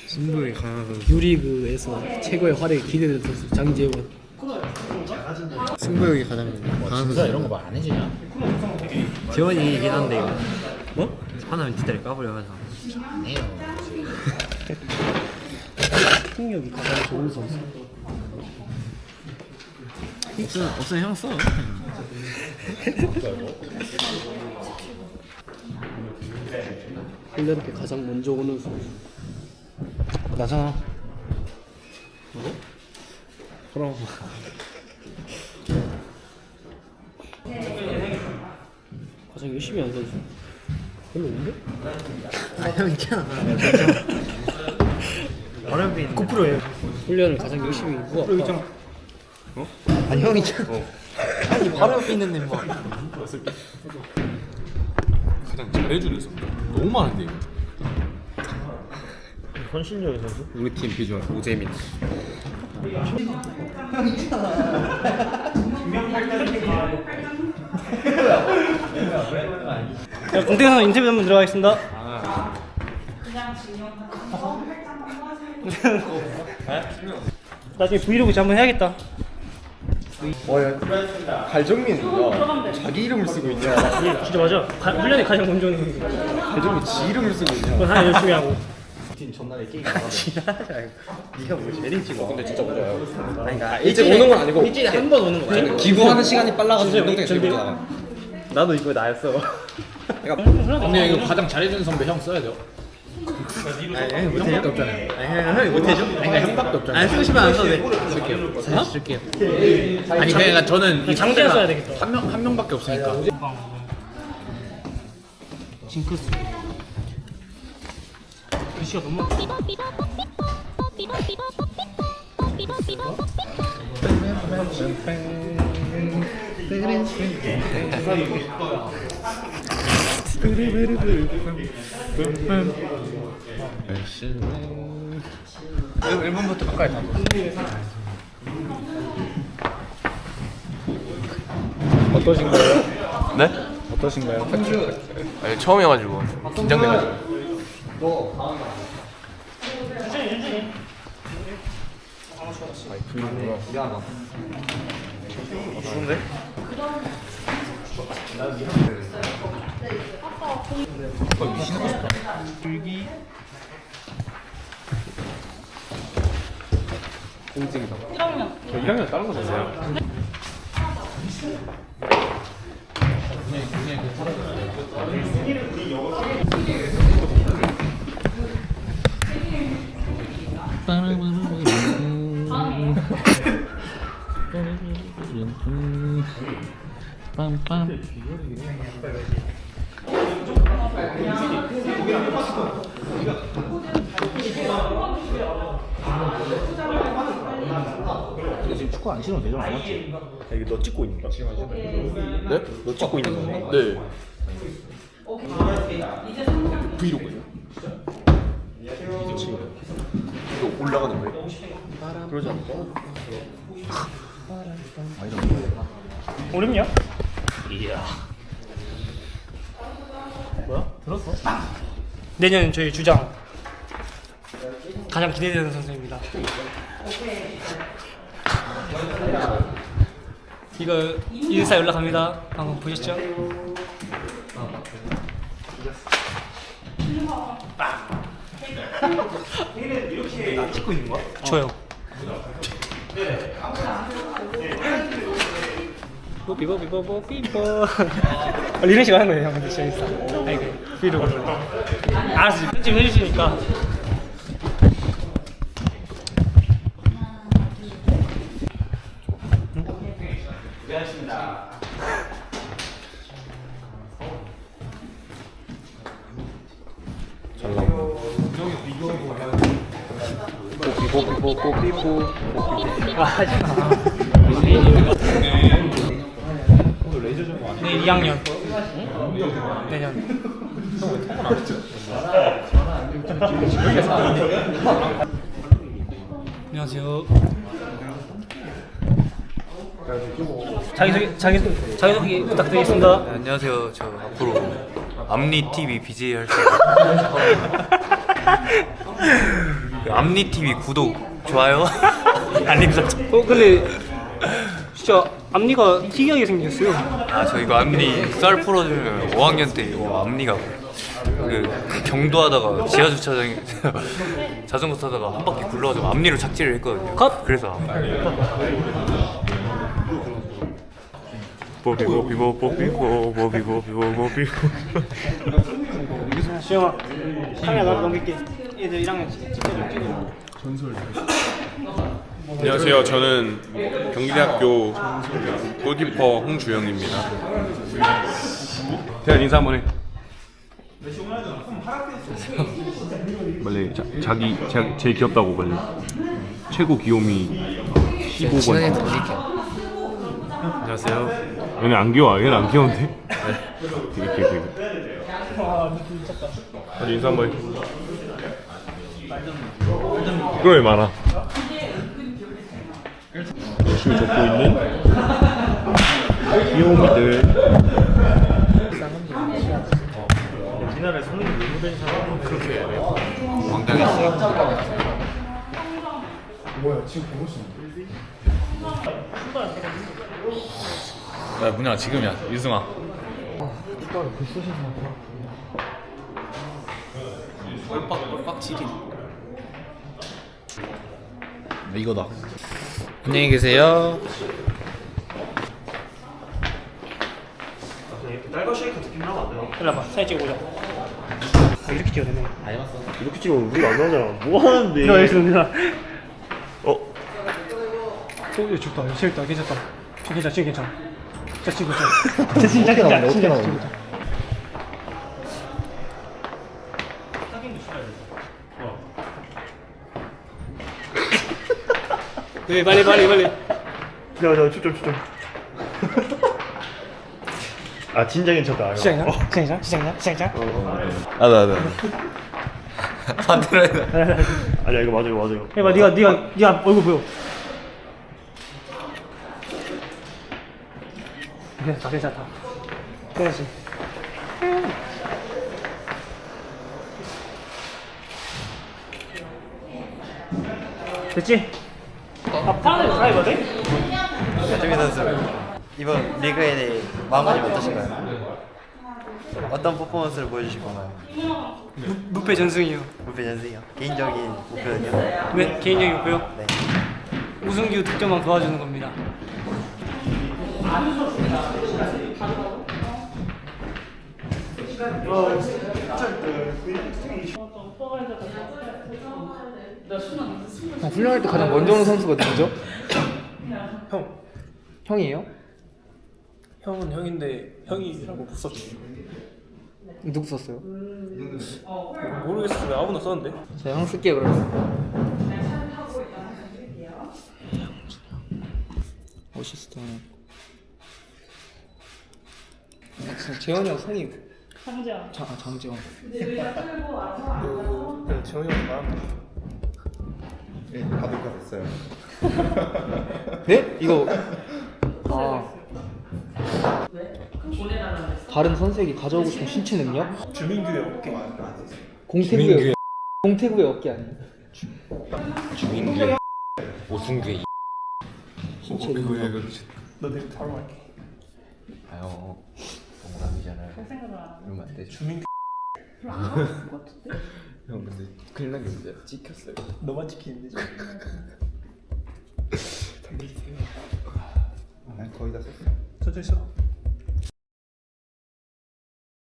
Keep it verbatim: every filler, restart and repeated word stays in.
승부에 강한 선수. 유리그에서 최고의 활약이 기대되는 선수 장재원. 승부욕이 가장 강한 선수. 이런 거 말 안 해주냐? 재원이긴 한데 이거. 뭐? 하나는 뒷다리 까버려 가지고. 안 해요. 폭력이 가장 좋은 선수. 없으면 없으면 형 써. 플레이오프에 가장 먼저 오는 선수. 나잖아. 뭐? 그럼. 가장 열심히 하는 선수. 별로 없는데? 아 형 있잖아. 어렵게 있는. 고프로에 훈련을 가장 열심히 누가 있잖아. 어? 아니 형 있잖아. 어. 아니 바로 옆에 있는데 뭐. 가장 잘해주는 선수 너무 많은데 이거. 헌신적인 선수? 우리 팀 비주얼 오재민. 자, 공대에서 인터뷰 한번 들어가겠습니다. 나중에 브이로그 한번 해야겠다. 갈정민이가 자기 이름을 쓰고 있냐? 예, 진짜 맞아. 가, 훈련에 가장 먼저 오는 선수. 갈정민 지 이름을 쓰고 있냐? 그건 하나 열심히 하고. 팀 전날에 게임 네가 뭐 제일 찍어. 근데 진짜 맞아요. 아니 그러니까 일찍 오는 건 아니고 일주일에 한 번 오는 거야. 기부하는 시간이 빨라가지고 진짜 운동장에 제일 저기- 먼저 나가. 나도 이거 나였어. 근데 이거 가장 잘해주는 선배 형 써야 돼요. 아니 형이 못해줘? 형밖에 없잖아요. 아니 형, 형이 못해줘? 아니 그러니까 형밖에 없잖아요. 안 쓰고 싶으면 안 써도 돼. 쓸게요. 사실 쓸게요. 아니 그러니까 저는 이 장대현 써야 되겠다. 한 명 한 명밖에 없으니까. 징크스. 글씨가 너무 일 번부터 바꿔야 돼. 어떠신가요? 네? 어떠신가요? 아니, 처음이어가지고 긴장돼가지고. 추운데? 공직이다. 저 일 학년 다른 거 샀어요. 근데 지금 축구 안 신어도 되잖아, 맞지? 야, 이거 너 찍고 있는 거야? 네? 너 찍고 있는 거네? 네. 브이로그예요. 이거 올라가는 거예요? 그러지 않을까? 어렵냐? 이야. 뭐야? 들었어? 내년 저희 주장 가장 기대되는 선수입니다. 이거 인스타 연락합니다. 방금 보셨죠? 나 찍고 있는 거야? 저요. 뽀삐뽀삐뽀뽀 삐뽀. 이런 식으로 하는 거예요, 형. 근데 진짜 인스타. 아이고, 브이로그. 알았어, 편집 해주시니까. 뽀삐뽀삐뽀삐뽀. 아, 하지 마. 내일 이 학년. 내년. 안녕하세요. 자기소개 자기 자기소개 부탁드리겠습니다. 네, 안녕하세요. 저 앞으로 앞니 티비 비제이 할 수. 그 앞니티비 구독, 좋아요, 알림 설정. 어 근데 진짜 앞니가 특이하게 생겼어요. 아, 저 이거 앞니 썰 풀어주면 오 학년 때 이거 앞니가 그 경도하다가 지하 주차장에 자전거 타다가 한 바퀴 굴러가지고 앞니로 착지를 했거든요. 컷! 그래서 뽀비 뽀비 뽀비 뽀비 뽀비 뽀비 뽀비. 수영아 카메라 나도 넘길게. 얘들 일 학년 찍어줘 찍어줘. 안녕하세요. 저는 경기대학교 골키퍼 홍주영입니다. 대한 인사 한번 해. 빨리 자, 자기 자, 제일 귀엽다고 빨리. 최고 귀요미 십오 번. 안녕하세요. 얘는 안 귀여워. 얘는 안 귀여운데? 되게 귀여워. 되게. 빨리 인사 한번 해. 그걸 왜 많아? 열심히 적고 있는 귀요미들. 우리나라에 성인이 외모된 사람은 그렇게 야 문영아 지금이야 유승아. 이거다. 안녕히 계세요. 딸과 쉐이크 듣기만 하면 안 돼요? 일로 와봐 사진 찍어보자. 아, 이렇게 찍어야 되네. 이렇게 찍으면 우리가 안 나오잖아. 뭐 하는데? 일로 와 있어 어? 오, 야, 좋다. 재밌다. 괜찮다. 괜찮아, 진짜 괜찮아. 진짜 진짜 괜찮아. 진짜 진짜 괜찮아. 진짜 괜찮아. 네, 빨리 빨리 빨리. 야, 야, 추점, 추점. 아, 진짜 괜찮다. 진짜 괜찮아? 진짜 괜찮아? 진짜 괜찮아? 진짜 괜찮아? 아나 나. 반대로 해라. 아니야, 이거 맞아요, 맞아요. 해봐. 네가 네가 네가 얼굴 보여. 괜찮다, 괜찮다. 그렇지. 됐지? 아, 파란색 사이거든? 조민 선수 이번 리그에 대해 마음가짐 어떠신가요? 어떤 퍼포먼스를 보여주실 건가요? 무패 전승이요. 목표 전승이요. 개인적인 목표는요? 네, 개인적인 목표요. 네. 우승규 득점왕 도와주는 겁니다. 훈련할 때 가장 먼저 오는 선수가 누구죠? 형, 형이에요? 형은 형인데 형이라고 못 썼지. 누구 썼어요? 모르겠어. 왜 아무나 썼는데? 자, 형 쓸게요 그러면. 어시스트 하나. 아, 진짜 재현이 형 성이 장재원. 아, 장재원. 재훈이 형 말한다. 네? 이거 아 다른 선수에게 가져오고 싶은 신체 능력? 주민규의 어깨. 공태구의 공태구의 어깨 아니에요? 주민규, 오승규. 신체 능력. 너 내일 바로 갈게. 아유, 동남이잖아요. 그러면 안 되죠. 주민규. 형 근데 큰일 난게 문제야. 찍혔어요. 너만 지키는데. 난 거의 다 썼어. 저쪽 있어.